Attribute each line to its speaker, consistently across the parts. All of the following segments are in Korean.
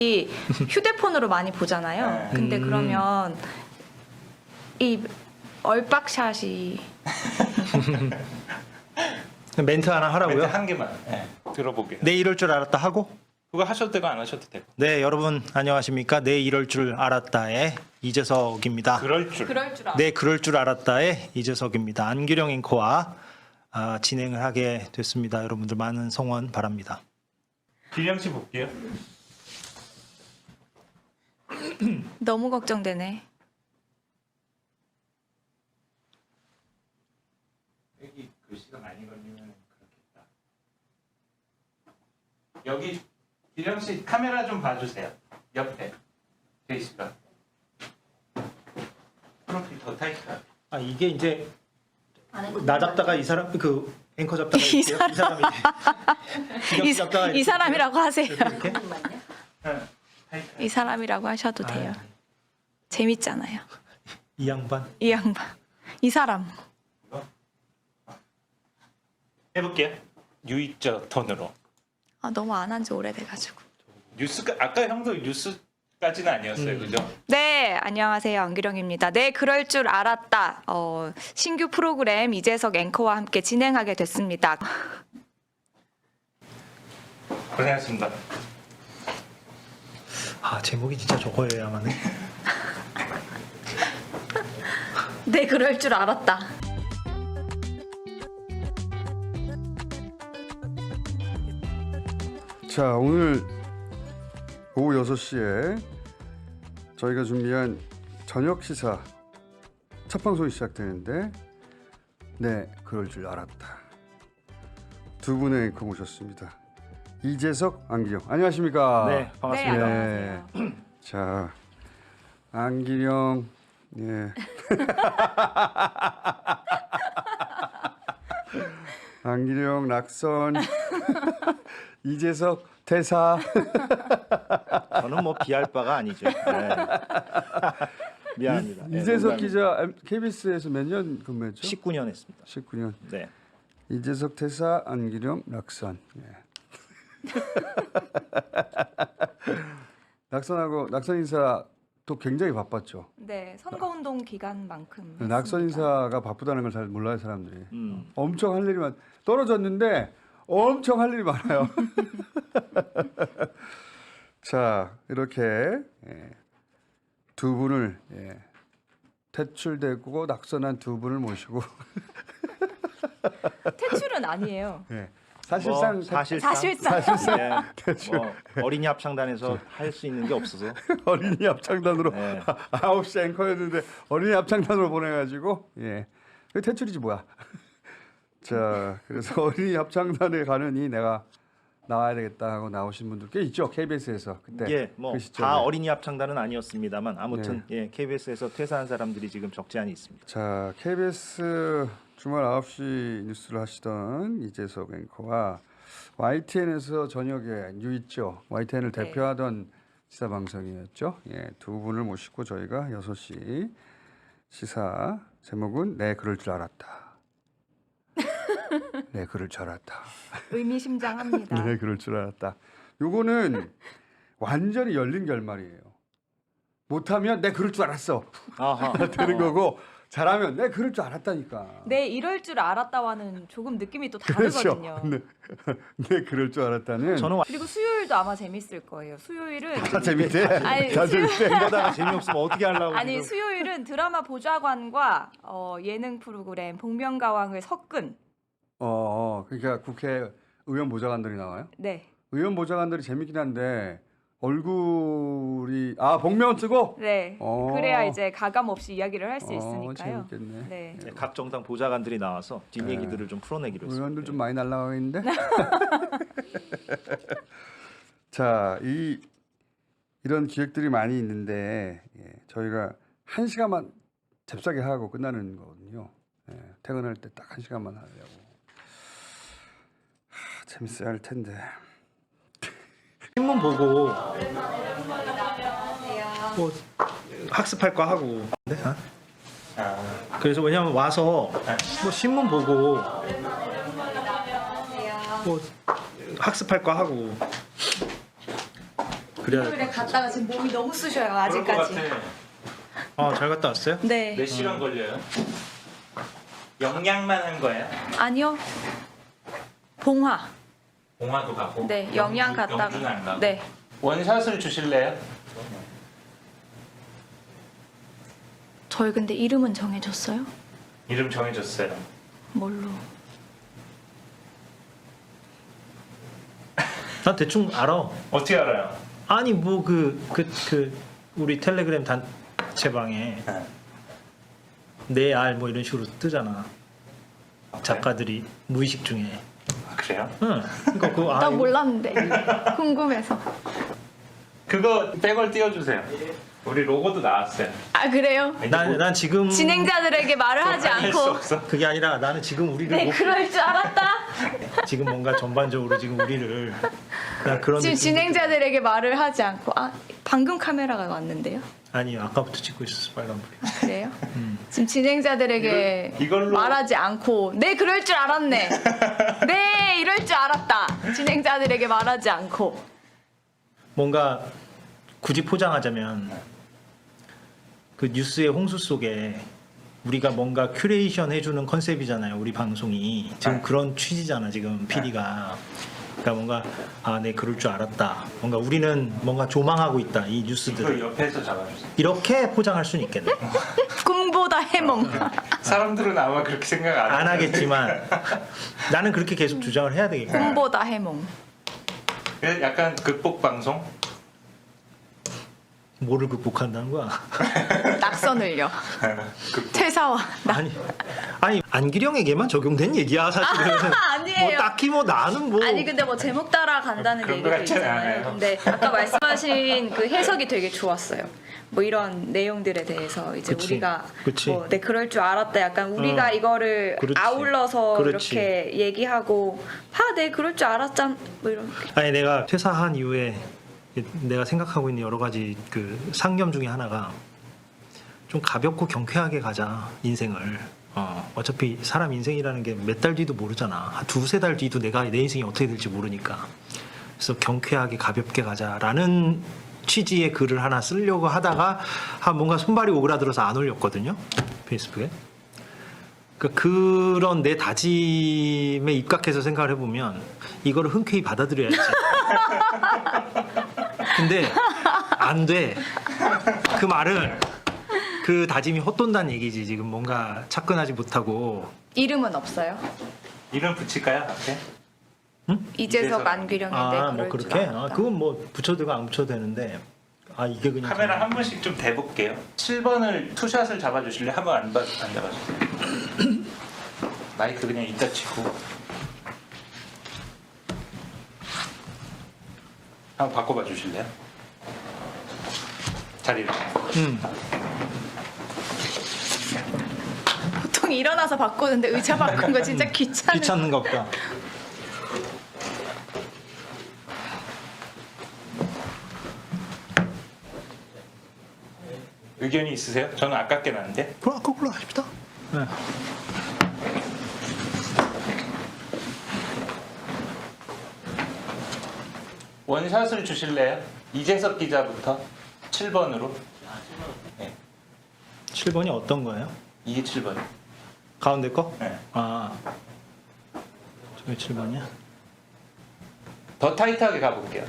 Speaker 1: 휴대폰으로 많이 보잖아요. 근데 그러면 이 얼빡샷이
Speaker 2: 멘트 하나 하라고요?
Speaker 3: 멘트 한 개만 들어보게요.
Speaker 2: 네 이럴 줄 알았다 하고.
Speaker 3: 그거 하셔도 되고 안 하셔도 되고.
Speaker 2: 네 여러분 안녕하십니까. 네 이럴 줄 알았다의 이재석입니다.
Speaker 3: 그럴 줄.
Speaker 2: 네 그럴 줄 알았다의 이재석입니다. 안규령 앵커와 진행을 하게 됐습니다. 여러분들 많은 성원 바랍니다.
Speaker 3: 기령 씨 볼게요.
Speaker 1: 너무 걱정되네.
Speaker 3: 여기 글씨가 많이 걸리면 그렇겠다. 여기 기령 씨 카메라 좀 봐주세요. 옆에 제이씨가 프로필 더 타이트하게.
Speaker 2: 아 이게 이제 나 잡다가 이 사람 그 앵커 잡다가
Speaker 1: 이
Speaker 2: 사람이
Speaker 1: 이 사람이라고 하세요.
Speaker 2: 이렇게?
Speaker 1: 이 사람이라고 하셔도 돼요. 재밌잖아요.
Speaker 2: 이 양반
Speaker 1: 이 양반, 이 사람.
Speaker 3: 해볼게요. 유이저 톤으로.
Speaker 1: 너무 안 한 지 오래돼가지고.
Speaker 3: 뉴스가 아까 형도 뉴스까지는 아니었어요, 그죠?
Speaker 1: 네, 안녕하세요. 안규령입니다. 네, 그럴 줄 알았다. 신규 프로그램 이재석 앵커와 함께 진행하게 됐습니다.
Speaker 3: 고생하셨습니다.
Speaker 2: 제목이 진짜 저거여야만 해.
Speaker 1: 네, 그럴 줄 알았다.
Speaker 4: 자, 오늘 오후 6시에 저희가 준비한 저녁 시사 첫 방송이 시작되는데 네, 그럴 줄 알았다. 두 분의 앵커 모셨습니다. 이재석, 안기령. 안녕하십니까?
Speaker 2: 네
Speaker 1: 네,
Speaker 2: 반갑습니다.
Speaker 1: 안녕하세요.
Speaker 4: 자, 안기령, 예. 안기령, 낙선, 이재석, 대사.
Speaker 2: 저는 뭐 비할 바가 아니죠. 네. 미안합니다. 네,
Speaker 4: 이재석
Speaker 2: 농담입니다.
Speaker 4: 기자 KBS에서 몇 년 근무했죠?
Speaker 2: 19년 했습니다.
Speaker 4: 19년.
Speaker 2: 네.
Speaker 4: 이재석 대사, 안기령, 낙선. 예. 낙선 인사 또 굉장히 바빴죠.
Speaker 1: 네, 선거운동 기간만큼.
Speaker 4: 낙선
Speaker 1: 했습니다.
Speaker 4: 인사가 바쁘다는 걸 잘 몰라요 사람들이.
Speaker 2: 음.
Speaker 4: 엄청 할 일이 떨어졌는데 엄청 할 일이 많아요. 자, 이렇게 두 분을 퇴출되고 낙선한 두 분을 모시고
Speaker 1: 퇴출은 아니에요.
Speaker 4: 사실상
Speaker 2: 뭐, 사실상
Speaker 1: 사실상.
Speaker 2: 네. 뭐 어린이 합창단에서 할 수 있는 게 없어서
Speaker 4: 어린이 합창단으로
Speaker 2: 네.
Speaker 4: 9시 앵커였는데 어린이 합창단으로 보내가지고 그 퇴출이지 뭐야. 자, 그래서 어린이 합창단에 가느니 내가 나와야 되겠다 하고 나오신 분들 꽤 있죠. KBS에서 그때.
Speaker 2: 이게 뭐
Speaker 4: 그 시점에.
Speaker 2: 다 어린이 합창단은 아니었습니다만 아무튼 KBS에서 퇴사한 사람들이 지금 적지 않이 있습니다.
Speaker 4: 자, KBS 주말 9시 뉴스를 하시던 이재석 앵커와 YTN에서 저녁에 뉴있죠. YTN을
Speaker 1: 네.
Speaker 4: 대표하던 시사 방송이었죠. 두 분을 모시고 저희가 6시 시사 제목은 네, 그럴 줄 알았다. 네, 그럴 줄 알았다.
Speaker 1: 의미심장합니다.
Speaker 4: 네, 그럴 줄 알았다. 요거는 완전히 열린 결말이에요. 못하면 네, 그럴 줄 알았어.
Speaker 2: 아하.
Speaker 4: 되는 거고 잘하면 네, 그럴 줄 알았다니까.
Speaker 1: 네, 이럴 줄 알았다와는 조금 느낌이 또
Speaker 4: 그렇죠.
Speaker 1: 다르거든요.
Speaker 4: 네. 네, 그럴 줄 알았다는.
Speaker 2: 저는
Speaker 1: 그리고 수요일도 아마 재밌을 거예요. 수요일은
Speaker 4: 다 재밌대.
Speaker 1: 아니,
Speaker 4: 다 재밌대.
Speaker 2: 이러다가 재미없으면 어떻게 하려고
Speaker 1: 아니
Speaker 2: 지금.
Speaker 1: 수요일은 드라마 보좌관과 예능 프로그램 복면가왕을 섞은
Speaker 4: 그러니까 국회의원 보좌관들이 나와요.
Speaker 1: 네,
Speaker 4: 의원 보좌관들이 재밌긴 한데 얼굴이 복면 쓰고.
Speaker 1: 네. 그래야 이제 가감 없이 이야기를 할 수 있으니까요.
Speaker 4: 재밌겠네.
Speaker 1: 네.
Speaker 2: 네, 각 정당 보좌관들이 나와서 뒷얘기들을 좀 풀어내기로 했습니다.
Speaker 4: 의원들 좀 많이 날라가 있는데. 자, 이런 기획들이 많이 있는데 저희가 1시간만 잽싸게 하고 끝나는 거거든요. 퇴근할 때 딱 1시간만 하려고. 재밌어야 할 텐데.
Speaker 2: 신문 보고 뭐 학습할 거 하고. 네? 그래서 왜냐면 와서 뭐 신문 보고 뭐 학습할 거 하고 그래야
Speaker 1: 일요일에 갔다가 지금 몸이 너무 쑤셔요 아직까지.
Speaker 2: 잘 갔다 왔어요?
Speaker 1: 네.
Speaker 3: 몇 시간 걸려요? 영양만 한 거예요?
Speaker 1: 아니요. 봉화.
Speaker 3: 봉화도 가고.
Speaker 1: 네. 영양 갔다가.
Speaker 3: 영주는 안 가고.
Speaker 1: 네.
Speaker 3: 원샷을 주실래요?
Speaker 1: 저희 근데 이름은 정해졌어요?
Speaker 3: 이름 정해줬어요.
Speaker 1: 뭘로?
Speaker 2: 난 대충 알아.
Speaker 3: 어떻게 알아요?
Speaker 2: 아니 뭐 우리 텔레그램 단체방에
Speaker 3: 네.
Speaker 2: 내 알 뭐 이런 식으로 뜨잖아. 작가들이 무의식 중에.
Speaker 3: 아, 그래요?
Speaker 2: 응. 그러니까 그거
Speaker 1: 나 몰랐는데 궁금해서.
Speaker 3: 그거 백월 띄워주세요. 우리 로고도 나왔어요.
Speaker 1: 아 그래요?
Speaker 2: 난 지금
Speaker 1: 진행자들에게 말을 하지
Speaker 3: 할수
Speaker 1: 않고.
Speaker 3: 없어.
Speaker 2: 그게 아니라 나는 지금 우리를
Speaker 1: 네,
Speaker 2: 못-
Speaker 1: 그럴 줄 알았다.
Speaker 2: 지금 뭔가 전반적으로 지금 우리를 나 그런
Speaker 1: 지금
Speaker 2: 느낌-
Speaker 1: 진행자들에게 말을 하지 않고. 아 방금 카메라가 왔는데요.
Speaker 2: 아니요 아까부터 찍고 있었어 빨간불이.
Speaker 1: 그래요? 지금 진행자들에게
Speaker 3: 이걸로-
Speaker 1: 말하지 않고 네 그럴 줄 알았네. 네 이럴 줄 알았다. 진행자들에게 말하지 않고.
Speaker 2: 뭔가 굳이 포장하자면 그 뉴스의 홍수 속에 우리가 뭔가 큐레이션 해주는 컨셉이잖아요. 우리 방송이 지금
Speaker 3: 네.
Speaker 2: 그런 취지잖아. 지금 PD가. 그러니까 뭔가 네 그럴 줄 알았다. 뭔가 우리는 뭔가 조망하고 있다. 이
Speaker 3: 이거
Speaker 2: 뉴스들을
Speaker 3: 옆에서 잡아주세요.
Speaker 2: 이렇게 포장할 수는 있겠네.
Speaker 1: 꿈보다 해몽.
Speaker 3: 사람들은 아마 그렇게 생각 안
Speaker 2: 안
Speaker 3: 하는데.
Speaker 2: 하겠지만 나는 그렇게 계속 주장을 해야 되겠고.
Speaker 1: 꿈보다 해몽.
Speaker 3: 약간 극복 방송?
Speaker 2: 뭐를 극복한다는 거야?
Speaker 1: 낙선을요.
Speaker 3: 극복.
Speaker 1: 퇴사와
Speaker 2: 아니 안기령에게만 적용된 얘기야 사실은.
Speaker 1: 아니에요.
Speaker 2: 뭐 딱히 뭐 나는 뭐
Speaker 1: 아니 근데 뭐 제목 따라 간다는
Speaker 3: 그런 거
Speaker 1: 얘기도
Speaker 3: 같지는
Speaker 1: 있잖아요.
Speaker 3: 않아요.
Speaker 1: 근데 아까 말씀하신 그 해석이 되게 좋았어요. 뭐 이런 내용들에 대해서 이제
Speaker 2: 그치,
Speaker 1: 우리가
Speaker 2: 그치.
Speaker 1: 뭐 네 그럴 줄 알았다. 약간 우리가 이거를
Speaker 2: 그렇지.
Speaker 1: 아울러서
Speaker 2: 그렇지.
Speaker 1: 이렇게 얘기하고 네 그럴 줄 알았잖 뭐 이런.
Speaker 2: 아니 내가 퇴사한 이후에 내가 생각하고 있는 여러 가지 그 상념 중에 하나가 좀 가볍고 경쾌하게 가자 인생을. 어차피 사람 인생이라는 게 몇 달 뒤도 모르잖아. 한 두세 달 뒤도 내 인생이 어떻게 될지 모르니까. 그래서 경쾌하게 가볍게 가자라는 취지의 글을 하나 쓰려고 하다가 뭔가 손발이 오그라들어서 안 올렸거든요. 페이스북에. 그러니까 그런 내 다짐에 입각해서 생각을 해보면 이거를 흔쾌히 받아들여야지. 근데 안 돼. 그 말은 그 다짐이 헛돈다는 얘기지. 지금 뭔가 차근하지 못하고.
Speaker 1: 이름은 없어요.
Speaker 3: 이름 붙일까요 앞에?
Speaker 1: 이재석
Speaker 3: 이재석.
Speaker 1: 안규령인데
Speaker 2: 뭐
Speaker 1: 그럴 줄
Speaker 2: 그렇게?
Speaker 1: 알았다.
Speaker 2: 그건 뭐 붙여도 안 붙여도 되는데. 이게 그냥
Speaker 3: 카메라 한 번씩 좀 대볼게요. 7번을 투샷을 잡아주실래요? 한번 안 잡아주세요. 마이크 그냥 이따 치고 한번 바꿔봐 주실래요? 자리를.
Speaker 1: 보통 일어나서 바꾸는데 의자 바꾼 거 진짜 귀찮은.
Speaker 2: 귀찮는 거 없다.
Speaker 3: 의견이 있으세요? 저는 아깝게 났는데.
Speaker 2: 그럼 거꾸로 하십시다. 네.
Speaker 3: 원샷을 주실래요? 이재석 기자부터 7번으로. 네,
Speaker 2: 7번이 어떤 거예요?
Speaker 3: 이게 7번.
Speaker 2: 가운데 거?
Speaker 3: 네.
Speaker 2: 저게 7번이야?
Speaker 3: 더 타이트하게 가볼게요.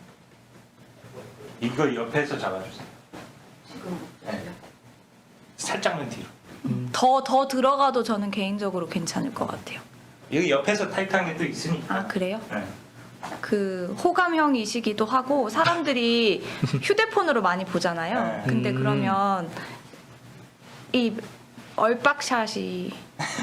Speaker 3: 이거 옆에서 잡아주세요. 네. 살짝만 뒤로.
Speaker 1: 더 들어가도 저는 개인적으로 괜찮을 것 같아요.
Speaker 3: 여기 옆에서 타이트한 게 또 있으니까.
Speaker 1: 아 그래요?
Speaker 3: 네.
Speaker 1: 그 호감형이시기도 하고 사람들이 휴대폰으로 많이 보잖아요.
Speaker 3: 네.
Speaker 1: 근데 그러면 이 얼빡샷이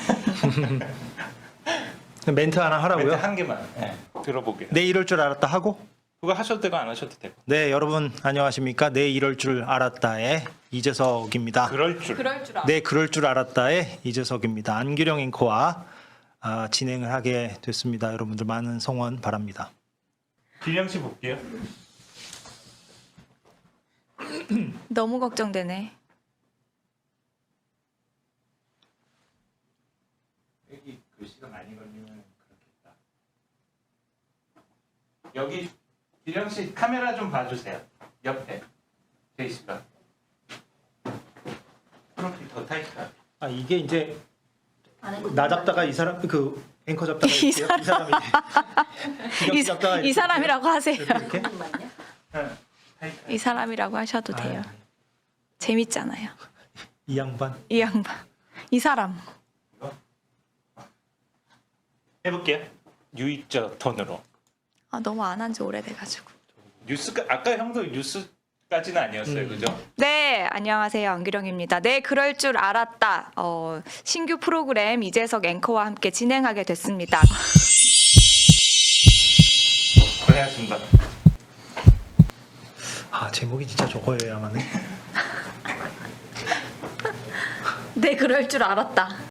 Speaker 2: 멘트 하나 하라고요?
Speaker 3: 멘트 한 개만 들어보게요.
Speaker 2: 네 이럴 줄 알았다 하고.
Speaker 3: 그거 하셔도 되고 안 하셔도 되고.
Speaker 2: 네 여러분 안녕하십니까. 네 이럴 줄 알았다의 이재석입니다.
Speaker 3: 그럴 줄.
Speaker 1: 그럴 줄 알아.
Speaker 2: 네 그럴 줄 알았다의 이재석입니다. 안규령 앵커와 진행을 하게 됐습니다. 여러분들 많은 성원 바랍니다.
Speaker 3: 기령 씨 볼게요.
Speaker 1: 너무 걱정되네.
Speaker 3: 여기 글씨가 많이 걸리면 그렇겠다. 여기 기령 기령 씨 카메라 좀 봐주세요. 옆에 제이 씨가 프로필 더 타이트하게.
Speaker 2: 아 이게 이제 나 잡다가 이 사람 그 앵커 잡다가
Speaker 1: 이
Speaker 2: 이 사람이 기령 씨 잡다가
Speaker 1: 이 사람이라고 하세요.
Speaker 2: 이렇게
Speaker 3: 응, 타이트하게.
Speaker 1: 이 사람이라고 하셔도 돼요.
Speaker 2: 아,
Speaker 1: 재밌잖아요.
Speaker 2: 이 양반
Speaker 1: 이 양반. 이 사람.
Speaker 3: 해볼게요. 유이적 톤으로.
Speaker 1: 아, 너무 안 한 지 오래돼가지고.
Speaker 3: 뉴스가 아까 형도 뉴스까지는 아니었어요, 그죠?
Speaker 1: 네, 안녕하세요. 안규령입니다. 네, 그럴 줄 알았다. 신규 프로그램 이재석 앵커와 함께 진행하게 됐습니다.
Speaker 3: 고생하셨습니다.
Speaker 2: 아 제목이 진짜 저거여야만 해.
Speaker 1: 네, 그럴 줄 알았다.